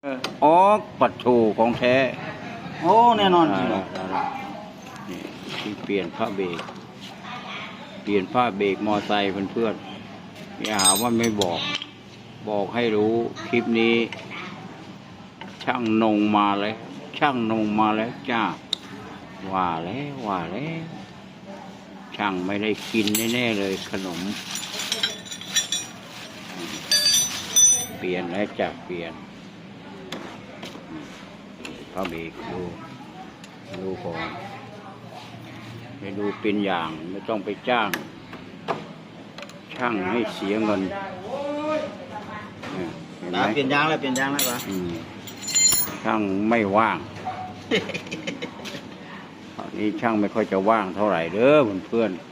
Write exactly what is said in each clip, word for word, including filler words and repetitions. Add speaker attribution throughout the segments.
Speaker 1: อ๋อปัดโชของแท้
Speaker 2: โอ้แน่นอนจริงเหรอ
Speaker 1: นี่ที่เปลี่ยนผ้าเบรกเปลี่ยนผ้าเบรกมอไซค์เพื่อนๆอย่าหาว่าไม่บอกบอกให้รู้คลิปนี้ ช่างนงมาแล้วช่างนงมาแล้วจ้าว่าแล้วว่าแล้วช่างไม่ได้กินแน่ๆเลยขนมเปลี่ยนแล้วจ้ะเปลี่ยนผ้าเบรกดูดูก่อนไปดูเป็นอย่างไม่ต้องไปจ้างช่างให้เสียเงินเห็นไหม
Speaker 2: เปลี่ยนยางแล้วเปลี่ยนยางแล้วปะ
Speaker 1: ช่างไม่ว่างตอนนี้ช่างไม่ค่อยจะว่างเท่าไหร่เด้อเพื่อน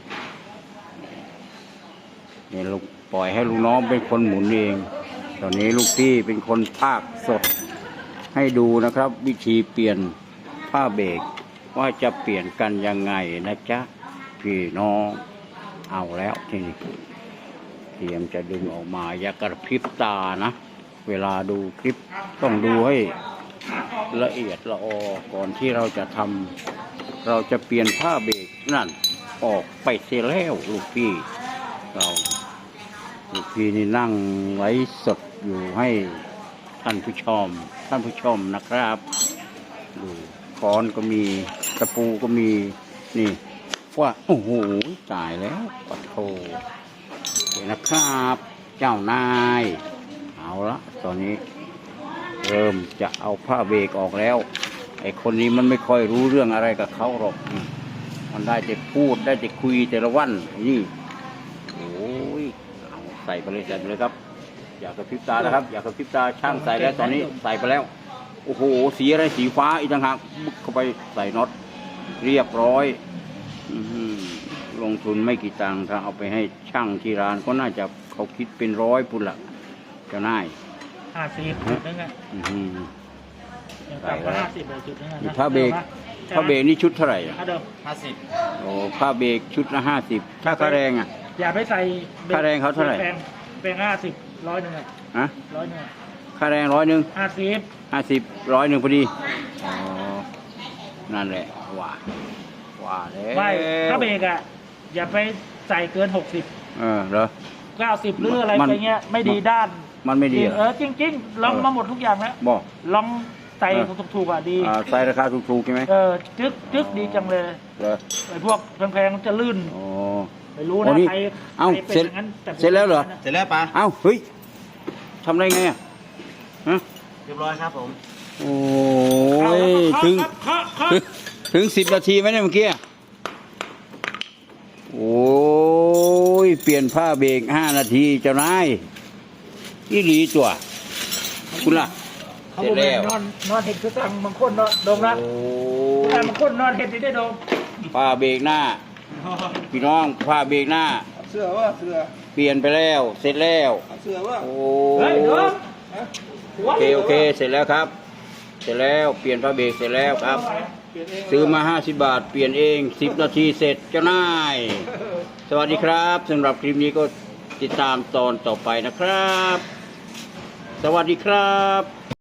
Speaker 1: ๆนี่ลูกปล่อยให้ลูกน้องเป็นคนหมุนเองตอนนี้ลูกพี่เป็นคนพากย์สดให้ดูนะครับ วิธีเปลี่ยนผ้าเบรกว่าจะเปลี่ยนกันยังไงนะจ๊ะพี่น้องเอาแล้วทีนี้เตรียมจะดึงออกมาอย่ากระพริบตานะเวลาดูคลิปต้องดูให้ละเอียดละออก่อนที่เราจะทำเราจะเปลี่ยนผ้าเบรกนั่นออกไปเสียแล้วลูกพี่เราลูกพี่นี่นั่งไว้สดอยู่ให้ท่านผู้ชมท่านผู้ชมนะครับดูค้อนก็มีตะปูก็มีนี่ว่าโอ้โหตายแล้วปะโถเห็นนะครับเจ้านายเอาละตอนนี้เริ่มจะเอาผ้าเบรกออกแล้วไอ้คนนี้มันไม่ค่อยรู้เรื่องอะไรกับเขาหรอกมันได้แต่พูดได้แต่คุยแต่ละวันนี่โอ้ยเอาใส่ไปเลยใส่ไปเลยครับอยากกระพริบตานะครับอยากกระพริบตาช่างใส่แล้วตอนนี้ใส่ไปแล้วโอ้โหสีอะไรสีฟ้าอีกต่างหากบุกเข้าไปใส่น็อตเรียบร้อยลงทุนไม่กี่ตังค์ถ้าเอาไปให้ช่างที่ร้านก็น่าจะเขาคิดเป็นร้อยปุ่นละเจ้านาย
Speaker 2: ห้าสิบจุดนึงอ่ะต่ำกว่าห้าสิบเลยจุดนึงอ่ะ
Speaker 1: ผ้าเบรกผ้าเบรกนี่ชุดเท่าไหร่อ่ะ
Speaker 2: ห้าสิบ
Speaker 1: โอ้ผ้าเบรกชุดละห้าสิบถ้าค่าแรงอ่ะ
Speaker 2: อย่าไปใส่
Speaker 1: ค่าแรงเขาเท่าไหร่
Speaker 2: แปลงห้าสิบร้อยหนึ่งอ่ะ
Speaker 1: ฮะ
Speaker 2: ร้อยหนึ่ง
Speaker 1: ค่าแรงร้อยหนึ่ง
Speaker 2: ห้าสิบ
Speaker 1: ห้าสิบร้อยหนึ่งพอดีอ๋อนั่นแหละว่าว่าแล้ว
Speaker 2: ไม่ผ้าเบรกอ่ะอย่าไปใส่เกินหกสิบ
Speaker 1: เออเหรอ
Speaker 2: เก้าสิบหรืออะไรไปเงี้ยไม่ดีด้าน
Speaker 1: มันไม่ดี
Speaker 2: เออจริงๆลองมาหมดทุกอย่างแล้ว
Speaker 1: บอก
Speaker 2: ลองใส่ถูกๆอ่ะดี
Speaker 1: ใส่ราคาถูกๆใช่ไหม
Speaker 2: เออจึ๊กจึ๊กดีจังเลยไอ้พวกแพงๆจะลื่นไม่รู้นะใคร
Speaker 1: เอ้าเสร็จเสร็จแล้วเหรอ
Speaker 2: เสร็จแล้วปะ
Speaker 1: เอ้าเฮ้ยทำได้ไงอ่ะฮะ
Speaker 2: เรียบร้อยครับผม
Speaker 1: โอ้ยถึงถึงสิบนาทีไหมเนี่ยเมื่อกี้โอ้ยเปลี่ยนผ้าเบรกห้านาทีเจ้านายอีหลีตัวคุณล่ะ
Speaker 2: เสร็จแล้วนอนนอนเห็ดคือสั่งบางคนนอนดมนะบางคนนอนเห็ดได้ดม
Speaker 1: ผ้าเบรกหน้าพี่น้องผ้าเบรกหน้า
Speaker 2: เสื้อว่าเสื้อ
Speaker 1: เปลี่ยนไปแล้วเสร็จแล้ว
Speaker 2: เสื้อว่า
Speaker 1: โอ้
Speaker 2: โอ
Speaker 1: เคโอเคเสร็จแล้วครับเสร็จแล้วเปลี่ยนผ้าเบรกเสร็จแล้วครับซื้อมาห้าสิบบาทเปลี่ยนเองสิบนาทีเสร็จเจ้านายสวัสดีครับสำหรับคลิปนี้ก็ติดตามตอนต่อไปนะครับสวัสดีครับ